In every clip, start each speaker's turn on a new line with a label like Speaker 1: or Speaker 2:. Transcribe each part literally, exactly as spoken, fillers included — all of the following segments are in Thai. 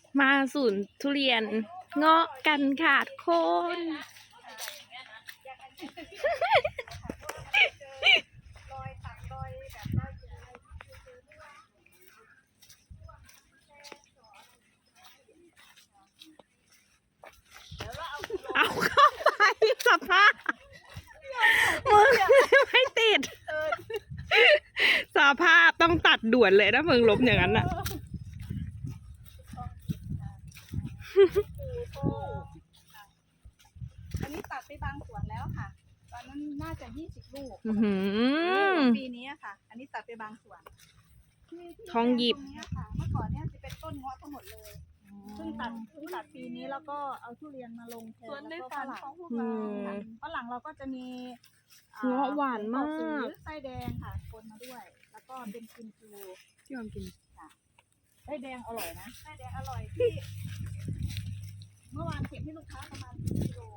Speaker 1: มาศูนย์ทุเรียนเงาะกันค่ะทุกคนเอาเข้าไปสภาพมึงไม่ติดสภาพต้องตัดด่วนเลยถ้ามึงล้มอย่างนั้นอ่ะ
Speaker 2: อันนี้ตัดไปบางส่วนแล้วค่ะตอนนั้นน่าจะยี่สิบลูกปีนี้ค่ะอันนี้ตัดไปบางส่วน
Speaker 1: ทองหยิบ
Speaker 2: เมื่อก่อนเนี่ยจะเป็นต้นเงาะทั้งหมดเลยเพิ่งตัดเพิ่งตัดปีนี้แล้วก็เอาทุเรียนมาลงแทนแล้วก็ฝรั่งของพวกเราฝรั่งเราก็จะมี
Speaker 1: เงาะหวานมาก
Speaker 2: ไส้แดงค่ะคนมาด้วยแล้วก็เป็นกิมจู
Speaker 1: ที่ยอมกิน
Speaker 2: ค่ะไส้แดงอร่อยนะไส้แดงอร่อยที่เมื่อวานเก็บให้ลูกค้าประมาณกิโล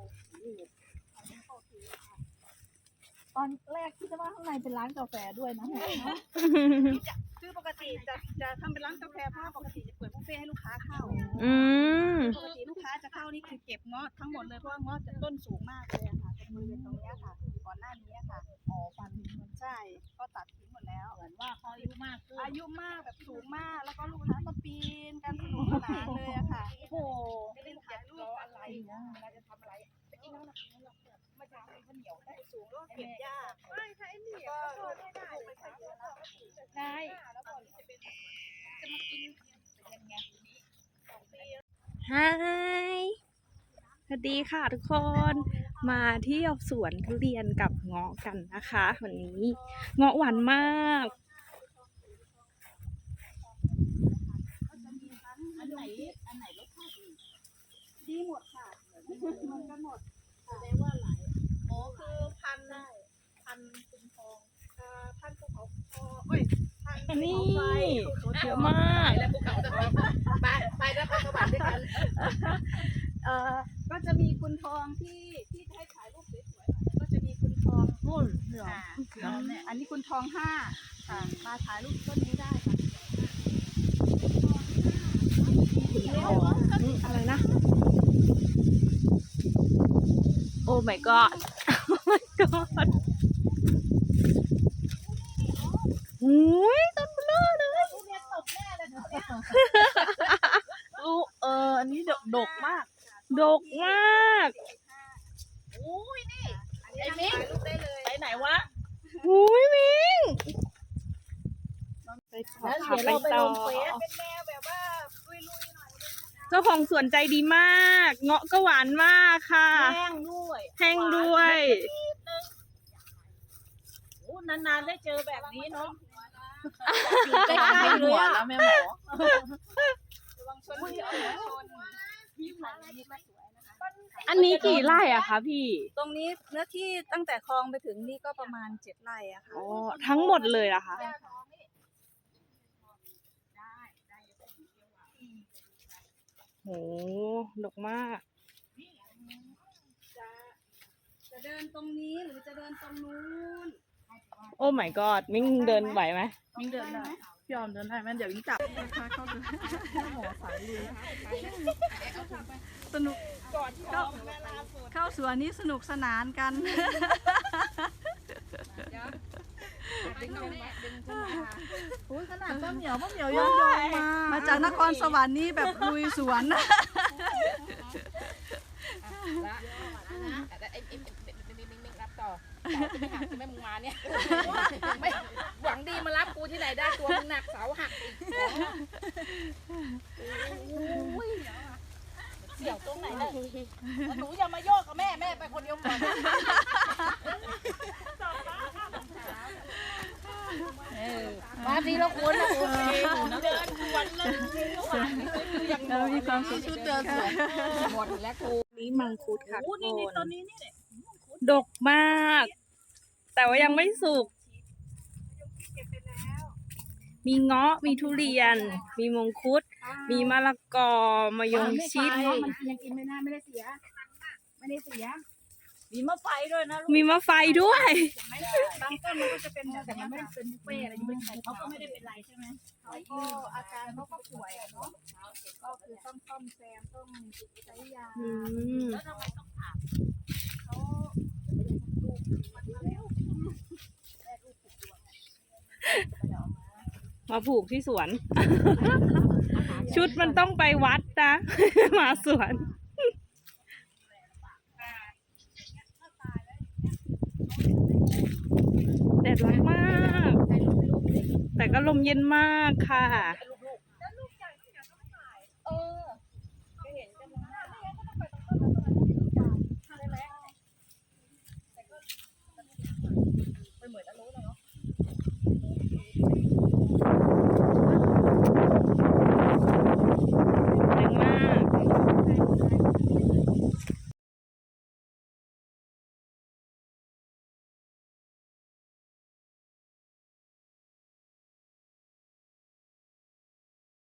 Speaker 2: ตอนแรกที่จะว่าข้างในเป็นร้านกาแฟด้วยนะคือปกติจะจะทำเป็นร้านกาแฟเพราะปกติจะเปิดบุฟเฟ่ให้ลูกค้าเข้า
Speaker 1: อืม
Speaker 2: ปกติลูกค้าจะเข้านี่คือเก็บเงาะทั้งหมดเลยเพราะว่าเงาะจะต้นสูงมากเลยค่ะตรงบริเวณตรงนี้ค่ะก่อนหน้านี้ค่ะอ๋อฟันมันใช่ก็ตัดทิ้งหมดแล้วเหมือนว่าเขาอายุมากอายุมากแบบสูงมากแล้วก็ลูกค้าก็ปีนกันสนุกสนานเลยอะค่ะโอ้โหจะเล่นถ่ายรูปอะไรนะเวลาจะทำอะไรไปกินน้ำหนักนี้เราเกิดมาจากข้าวเหนียวได้สูงก็เก็บยากไม่ใช่ไอ้นี่ก็ไม่ได้ได้แล้วก่อนจะเป็นจะมากินเป็นยังไง
Speaker 1: ฮายสวัสดีค่ะทุกคน มาเที่ยวสวนทุเรียนกับเงาะกันนะคะวันนี้เงาะหวานมาก
Speaker 2: อันไหนอันไหนรสชาติดีดีหมดค่ะมันก็หมดแสดงว่าหลายอ๋อคือพันได้พันคุณทองอ่าพันภูเขาทองเอ้ยพันภูเขาไฟ
Speaker 1: เยอะมาก
Speaker 2: แล้วภูเขาจะไปไปแล้วไปสวรรค์ด้วยกันเอ่อก็จะมีคุณทองที่ที่ให้ถ่ายรูปสวยๆก็จะมีคุณทองนู่นเหลืองอันนี้คุณทองห้าค่ะมาถ่ายรูปต้นนี้ได้ค่ะ
Speaker 1: อะไรนะโอ้ my god โอ้ my god อุ้ยต้นเบลอเลย
Speaker 2: ทุเรียนตกแน่เลยเนี่ย
Speaker 1: ลูกเอออันนี้ดกดกมากดกมาก
Speaker 2: อุ้ยนี่ไอ้มิ้งไปไหนวะ
Speaker 1: อุ้ยมิ้งไปต่อ
Speaker 2: แล้ว
Speaker 1: ค่ะ
Speaker 2: เดี๋ยว
Speaker 1: ไป
Speaker 2: เราไป
Speaker 1: ต่
Speaker 2: ล
Speaker 1: อง
Speaker 2: เฟซเป็นแนวแบบว่าลุยๆหน่อย
Speaker 1: เจ้าของสวนใจดีมากเงาะก็หวานมากค่ะ
Speaker 2: แห้งด้วย
Speaker 1: แห้งด้วย
Speaker 2: โอ้นานๆได้เจอแบบนี้เนาะอยู่ใกล้ๆเลยอ่ะแล้วแม่หมอระวังชนที่เอาหัวชน
Speaker 1: อันนี้กี่ไร่อะคะพี่
Speaker 2: ตรงนี้เนื้อที่ตั้งแต่คลองไปถึงนี่ก็ประมาณเจ็ดไร่อะค่ะ
Speaker 1: อ๋อทั้งหมดเลยอะคะโหดกมาก
Speaker 2: จะจะเดินตรงนี้หรือจะเดินตรงนู้น
Speaker 1: โอ้ my god มิ้งเดินไหวไหม
Speaker 2: มิ้งเดินได้พี่ออมเดินได้ไหมเดี๋ยวมิ้งจับเข้าเข้าหมอสายลุยสนุกเข้าเข้าสวนนี้สนุกสนานกันโอ้ยขนาดป้าเหมียวป้าเหมียวยอมยอมมามาจากนครสวรรค์นี่แบบลุยสวน
Speaker 3: รับต่อจะไม่หักจะไม่มึงมาเนี่ยไม่หวังดีมารับกูที่ไหนได้ตัวมึงหนักเสาหักอีกเสี่ยวตรงไหนเลยหนูอย่ามาโยกกับแม่แม่ไปคนเดียวก่อนมาทีละคนนะโอเคหนูเดินชวนเลย
Speaker 2: เรามีความสุขชุดเดินสวย
Speaker 3: หมดแล้วกู
Speaker 1: นี่มังคุดค่ะทุกคน
Speaker 2: ตอนนี้นี่
Speaker 1: ดกมากแต่ว่ายังไม่สุกมีเงาะมีทุเรียนมีมังคุดมีมะละกอมะยงชิด
Speaker 2: มันยังกินไม่ได้ไม่ได้เสียไม่ได้เสียมีมะไฟด้วยนะ
Speaker 1: มีมะไฟด้วย
Speaker 2: บางต้นมันก็จะเป็นแบบ
Speaker 3: แต่มันไม่ได้เป็นบุฟเฟ่อะไรยังไม่ได้ใส่
Speaker 2: เขาก็ไม่ได้เป็นไรใช่ไหมเขาก็อาการเขาก็ป่วยอะเนาะก็คือต้องซ่อมแซมต้องใช้ยา
Speaker 1: อืม
Speaker 2: แล้วทำไมต้องผ่าเขามันมาแล้วแม่ลูกผูกดวงอะ
Speaker 1: มาผูกที่สวน ชุดมันต้องไปวัดนะ มาสวน แดดร้อนมาก แต่ก็ลมเย็นมากค่ะ
Speaker 3: ล